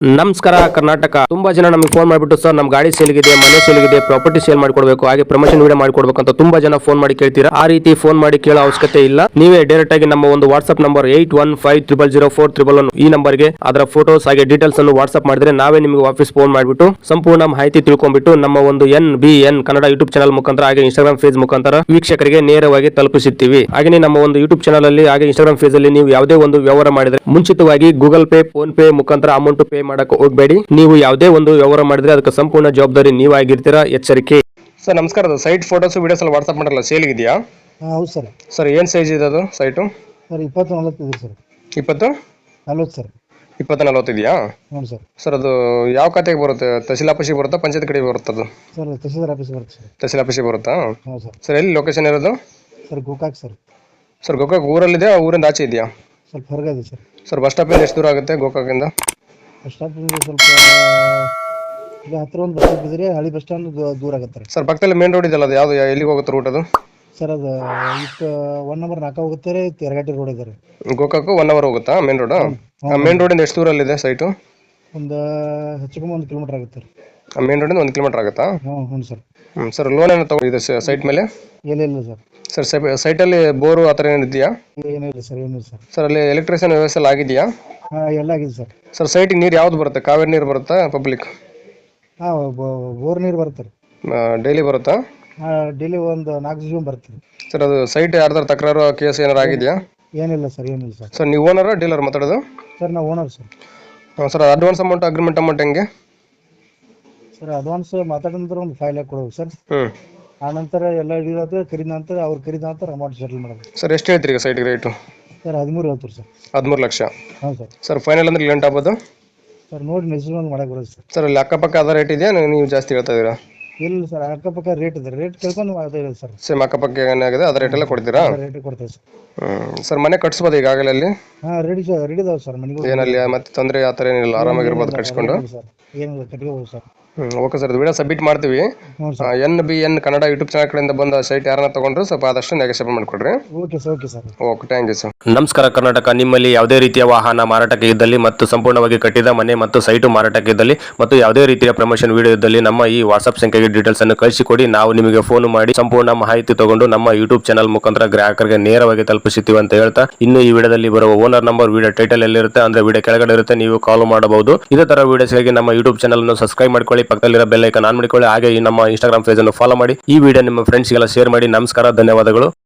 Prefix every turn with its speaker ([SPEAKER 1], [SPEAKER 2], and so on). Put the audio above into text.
[SPEAKER 1] ನಮಸ್ಕಾರ ಕರ್ನಾಟಕ. ತುಂಬಾ ಜನ ನಮಗೆ ಫೋನ್ ಮಾಡಿಬಿಟ್ಟು ಸರ್ ನಮ್ಮ ಗಾಡಿ ಸೇಲ್ಗಿದೆ, ಮನೆ ಸೇಲ್ಗಿದೆ, ಪ್ರಾಪರ್ಟಿ ಸೇಲ್ ಮಾಡಿಕೊಡ್ಬೇಕು, ಹಾಗೆ ಪ್ರಮೋಷನ್ ವಿಡಿಯೋ ಮಾಡಿಕೊಡ್ಬೇಕು ಅಂತ ತುಂಬಾ ಜನ ಫೋನ್ ಮಾಡಿ ಕೇಳ್ತೀರಾ. ಆ ರೀತಿ ಫೋನ್ ಮಾಡಿ ಕೇಳೋ ಅವಶ್ಯಕತೆ ಇಲ್ಲ. ನೀವೇ ಡೈರೆಕ್ಟ್ ಆಗಿ ನಮ್ಮ ಒಂದು ವಾಟ್ಸ್ಆಪ್ ನಂಬರ್ 81500411 ಈ ನಂಬರ್ಗೆ ಅದರ ಫೋಟೋಸ್ ಹಾಗೆ ಡೀಟೇಲ್ಸ್ ಅನ್ನು ವಾಟ್ಸ್ಆಪ್ ಮಾಡಿದ್ರೆ ನಾವೇ ನಿಮಗೆ ವಾಪಸ್ ಫೋನ್ ಮಾಡಿಬಿಟ್ಟು ಸಂಪೂರ್ಣ ಮಾಹಿತಿ ತಿಳ್ಕೊಂಡ್ಬಿಟ್ಟು ನಮ್ಮ ಒಂದು NBN ಕನ್ನಡ ಯೂಟ್ಯೂಬ್ ಚಾನಲ್ ಮುಖಾಂತರ ಹಾಗೆ ಇನ್ಸ್ಟಾಗ್ರಾಮ್ ಪೇಜ್ ಮುಖಾಂತರ ವೀಕ್ಷಕರಿಗೆ ನೇರವಾಗಿ ತಲುಪಿಸುತ್ತೀವಿ. ಹಾಗೆ ನಮ್ಮ ಒಂದು ಯೂಟ್ಯೂಬ್ ಚಾನಲ್ ಅಲ್ಲಿ ಹಾಗೆ ಇನ್ಸ್ಟಾಗ್ರಾಮ್ ಪೇಜ್ ಅಲ್ಲಿ ನೀವು ಯಾವುದೇ ಒಂದು ವ್ಯವಹಾರ ಮಾಡಿದ್ರೆ ಮುಂಚಿತವಾಗಿ ಗೂಗಲ್ ಪೇ, ಫೋನ್ ಪೇ ಮುಖಾಂತರ ಅಮೌಂಟ್ ಪೇ ಮಾಡಕ್ಕೆ ಹೋಗಬೇಡಿ. ನೀವು ಯಾವುದೇ ಒಂದು ವ್ಯವಹಾರ ಮಾಡಿದ್ರೆ ಅದಕ್ಕೆ ಸಂಪೂರ್ಣ ಜವಾಬ್ದಾರಿ ನೀವಾಗಿರ್ತೀರಾ, ಎಚ್ಚರಿಕೆ. ಸರ್ ನಮಸ್ಕಾರ. ಸೈಟ್ ಫೋಟೋಸ್ ವಿಡಿಯೋಸ್ ಎಲ್ಲ ವಾಟ್ಸ್ಆಪ್ ಮಾಡಲ್ಲ, ಸೇಲ್ ಇದೆಯಾ?
[SPEAKER 2] ಹೌದು ಸರ್.
[SPEAKER 1] ಸರ್ ಏನು ಸೈಜ್ ಇದೆ ಅದು ಸೈಟು?
[SPEAKER 2] ಸರ್ 20-40 ಇದೆ ಸರ್.
[SPEAKER 1] 20-40
[SPEAKER 2] ಸರ್.
[SPEAKER 1] 20-40 ಇದೆಯಾ?
[SPEAKER 2] ಹ್ಞೂ ಸರ್.
[SPEAKER 1] ಸರ್ ಅದು ಯಾವ ಖಾತೆಗೆ ಬರುತ್ತೆ? ತಹಸೀಲ್ ಆಫೀಸಿಗೆ ಬರುತ್ತಾ, ಪಂಚಾಯತ್ ಕಡೆಗೆ ಬರುತ್ತೆ ಅದು?
[SPEAKER 2] ಸರ್ ತಹಸೀಲ್ದಾರ್ ಆಫೀಸ್ ಬರುತ್ತೆ ಸರ್.
[SPEAKER 1] ತಹಸೀಲ್ ಆಫೀಸಿಗೆ ಬರುತ್ತಾ?
[SPEAKER 2] ಹ್ಞೂ ಸರ್.
[SPEAKER 1] ಸರ್ ಎಲ್ಲಿ ಲೊಕೇಶನ್ ಇರೋದು?
[SPEAKER 2] Sir Gokak sir.
[SPEAKER 1] Sir Gokak ಊರಲ್ಲಿದೆ, ಊರಿಂದ ಆಚೆ ಇದೆಯಾ?
[SPEAKER 2] ಸ್ವಲ್ಪ ಹೊರಗೆ ಇದೆ ಸರ್.
[SPEAKER 1] ಸರ್ ಬಸ್ ಸ್ಟಾಪಿಂದ ಎಷ್ಟು ದೂರ ಆಗುತ್ತೆ ಗೋಕಾಕಿಂದ?
[SPEAKER 2] ಬಸ್ ಸ್ಟಾಪಿಂದ ಸ್ವಲ್ಪ ಈಗ ಹತ್ತಿರ ಒಂದು ಬಸ್ ಸ್ಟಾಪ್ ಇದ್ರೆ ಹಳಿ ಬಸ್ ಸ್ಟ್ಯಾಂಡ್ ದೂರ ಆಗುತ್ತೆ
[SPEAKER 1] ಸರ್ ಪಕ್ಕದಲ್ಲಿ ಮೇನ್ ರೋಡ್ ಇದೆಯಲ್ಲ, ಅದು ಯಾವುದು, ಎಲ್ಲಿಗೆ ಹೋಗುತ್ತೆ ರೂಟ್ ಅದು?
[SPEAKER 2] ಸರ್ ಅದು ಇಷ್ಟು 1 ನಂಬರ್ 4 ಹೋಗುತ್ತೆ ರೀ, ತೆರಗಟ್ಟಿ ರೋಡ್ ಇದೆ ರೀ.
[SPEAKER 1] ಗೋಕಾಕು 1 ಅವರ್ ಹೋಗುತ್ತಾ ಮೇನ್ ರೋಡ್? ಮೇನ್ ರೋಡಿಂದ ಎಷ್ಟು ದೂರಲ್ಲಿದೆ ಸೈಟು?
[SPEAKER 2] ಒಂದು ಹೆಚ್ಚು ಕಮ್ಮಿ 1 ಕಿಲೋಮೀಟರ್ ಆಗುತ್ತೆ ರೀ.
[SPEAKER 1] ಮೇನ್ ರೋಡಿಂದ 1 ಕಿಲೋಮೀಟರ್ ಆಗುತ್ತಾ?
[SPEAKER 2] ಹ್ಞೂ ಸರ್.
[SPEAKER 1] ಸರ್ ಲೋನ್ ಏನೋ ತಗೊಂಡಿದೆ ಸೈಟ್ ಮೇಲೆ?
[SPEAKER 2] ಇಲ್ಲ ಸರ್.
[SPEAKER 1] ಸರ್ ಸೈಟಲ್ಲಿ ಬೋರು ಆ ಥರ ಏನು ಇದೆಯಾ?
[SPEAKER 2] ಏನಿಲ್ಲ ಸರ್.
[SPEAKER 1] ಸರ್ ಅಲ್ಲಿ ಎಲೆಕ್ಟ್ರಿಷಿಯನ್ ವ್ಯವಸ್ಥೆ ಎಲ್ಲ ಆಗಿದೆಯಾ?
[SPEAKER 2] ಹಾಂ ಎಲ್ಲ ಆಗಿದೆ ಸರ್.
[SPEAKER 1] ಸರ್ ಸೈಟಿಗೆ ನೀರು ಯಾವ್ದು ಬರುತ್ತೆ? ಕಾವೇರಿ ನೀರು ಬರುತ್ತಾ, ಪಬ್ಲಿಕ್?
[SPEAKER 2] ಹಾಂ ಬೋರ್ ನೀರು ಬರುತ್ತೆ ರೀ.
[SPEAKER 1] ಡೈಲಿ ಬರುತ್ತಾ?
[SPEAKER 2] ಹಾಂ ಡೈಲಿ ಒಂದು 4 ದಿವಸ ಬರುತ್ತೆ ರೀ.
[SPEAKER 1] ಸರ್ ಅದು ಸೈಟ್ ಯಾರ್ದಾರು ತಕರಾರು ಕೇಸ್ ಏನಾರು ಆಗಿದೆಯಾ?
[SPEAKER 2] ಏನಿಲ್ಲ ಸರ್.
[SPEAKER 1] ಸರ್ ನೀವು ಓನರಾ ಡೀಲರ್ ಮಾತಾಡೋದು?
[SPEAKER 2] ಸರ್ ನಾವು owner sir.
[SPEAKER 1] Sir advance amount, agreement amount ಹೆಂಗೆ?
[SPEAKER 2] ಸರ್ ಅಡ್ವಾನ್ಸ್ ಮಾತಾಡಿದ ನಂತರ ಒಂದು 5 ಲ್ಯಾಕ್ ಕೊಡಬೇಕು ಸರ್. ಆ ನಂತರ ಎಲ್ಲ ಹಿಡಿಯೋದು ಖರೀದ ನಂತರ ಖರೀದ ನಂತರ ಅಮೌಂಟ್ ಸೆಟಲ್ ಮಾಡೋದು.
[SPEAKER 1] ಸರ್ ಎಷ್ಟು ಹೇಳ್ತೀರಿ ಈಗ ಸೈಟ್ಗೆ ರೇಟು?
[SPEAKER 2] ಸರ್ 13 ಹೇಳ್ತೀರಿ ಸರ್.
[SPEAKER 1] 13 ಲಕ್ಷ?
[SPEAKER 2] ಹಾಂ ಸರ್.
[SPEAKER 1] ಸರ್ ಫೈನಲ್ ಅಂದ್ರೆ ಲೆಂಟ್ ಆಗ್ಬೋದು?
[SPEAKER 2] ಸರ್ ನೋಡಿ ಮೆಸೇಜ್ ಮಾಡಕ್ಕೆ ಬರೋದು ಸರ್.
[SPEAKER 1] ಸರ್ ಅಲ್ಲಿ ಅಕ್ಕಪಕ್ಕ ಅದ ರೇಟ್ ಇದೆಯಾ, ನೀವು ಜಾಸ್ತಿ ಹೇಳ್ತಾ ಇದ್ದೀರಾ?
[SPEAKER 2] ಇಲ್ಲ ಸರ್, ಅಕ್ಕಪಕ್ಕ ರೇಟ್ ಇದೆ, ರೇಟ್ ಕೇಳ್ಕೊಂಡು ಅದೇ ಇದೆ ಸರ್.
[SPEAKER 1] ಸೇಮ್ ಅಕ್ಕಪಕ್ಕ ಏನಾಗಿದೆ ಅದ ರೇಟೆಲ್ಲ ಕೊಡ್ತೀರಾ?
[SPEAKER 2] ರೇಟ್ ಕೊಡ್ತೇವೆ ಸರ್.
[SPEAKER 1] ಸರ್ ಮನೆ ಕಟ್ಸ್ಬೋದು ಈಗಾಗಲೇ ಅಲ್ಲಿ?
[SPEAKER 2] ಹಾಂ ರೆಡಿ ಇದಾವೆ ಸರ್ ಮನೆಗಳು.
[SPEAKER 1] ಏನಲ್ಲಿ ಮತ್ತೆ ತೊಂದರೆ ಆ ಥರ ಏನಿಲ್ಲ, ಆರಾಮಾಗಿರ್ಬೋದು ಕಟ್ಸ್ಕೊಂಡು?
[SPEAKER 2] ಸರ್ ಏನಿಲ್ಲ, ಕಟ್ಕೋಬೋದು sir.
[SPEAKER 1] Okay sir, video submit ಮಾಡ್ತೀವಿ. NBN ಕನ್ನಡ ಯೂಟ್ಯೂಬ್ ಚಾನಲ್ ಕಡೆಯಿಂದ ಬಂದ ಸೈಟ್ ಯಾರನ್ನ ತಗೊಂಡ್ರು ಸ್ವಲ್ಪ ಆದಷ್ಟು ನೆಗೋಷಿಯೇಟ್ ಮಾಡಿಕೊಡ್ರಿ.
[SPEAKER 2] Okay sir.
[SPEAKER 1] Okay, thank you sir. ನಮಸ್ಕಾರ ಕರ್ನಾಟಕ. ನಿಮ್ಮಲ್ಲಿ ಯಾವುದೇ ರೀತಿಯ ವಾಹನ ಮಾರಾಟಕ್ಕೆ ಇದ್ದಲ್ಲಿ ಮತ್ತು ಸಂಪೂರ್ಣವಾಗಿ ಕಟ್ಟಿದ ಮನೆ ಮತ್ತು ಸೈಟು ಮಾರಾಟಕ್ಕೆ ಇದ್ದಲ್ಲಿ ಮತ್ತು ಯಾವುದೇ ರೀತಿಯ ಪ್ರಮೋಷನ್ ವಿಡಿಯೋ ಇದ್ದಲ್ಲಿ ನಮ್ಮ ಈ ವಾಟ್ಸ್ಆಪ್ ಸಂಖ್ಯೆಗೆ ಡೀಟೇಲ್ಸ್ ಅನ್ನು ಕಳಿಸಿಕೊಡಿ. ನಾವು ನಿಮಗೆ ಫೋನ್ ಮಾಡಿ ಸಂಪೂರ್ಣ ಮಾಹಿತಿ ತಗೊಂಡು ನಮ್ಮ ಯೂಟ್ಯೂಬ್ ಚಾನಲ್ ಮುಖಾಂತರ ಗ್ರಾಹಕರಿಗೆ ನೇರವಾಗಿ ತಲುಪಿಸುತ್ತೀವಿ ಅಂತ ಹೇಳ್ತಾ, ಇನ್ನು ಈ ವಿಡಿಯೋದಲ್ಲಿ ಬರುವ ಓನರ್ ನಂಬರ್ ವಿಡಿಯೋ ಟೈಟಲ್ ಎಲ್ಲಿರುತ್ತೆ ಅಂದ್ರೆ ವಿಡಿಯೋ ಕೆಳಗಡೆ ಇರುತ್ತೆ, ನೀವು ಕಾಲ್ ಮಾಡಬಹುದು. ಇದೇ ತರ ವಿಡಿಯೋಸ್ಗಾಗಿ ನಮ್ಮ ಯೂಟ್ಯೂಬ್ ಚಾನಲ್ ಅನ್ನು ಸಬ್ಸ್ಕ್ರೈಬ್ ಮಾಡ್ಕೊಳ್ಳಿ, ಪಕ್ಕದಲ್ಲಿರೋ ಬೆಲ್ ಐಕಾನ್ ಆನ್ ಮಾಡಿಕೊಳ್ಳಿ, ಹಾಗೆ ಈ ನಮ್ಮ ಇನ್ಸ್ಟಾಗ್ರಾಮ್ ಪೇಜ್ ಅನ್ನು ಫಾಲೋ ಮಾಡಿ. ಈ ವಿಡಿಯೋ ನಿಮ್ಮ ಫ್ರೆಂಡ್ಸ್ಗೆಲ್ಲ ಶೇರ್ ಮಾಡಿ. ನಮಸ್ಕಾರ, ಧನ್ಯವಾದಗಳು.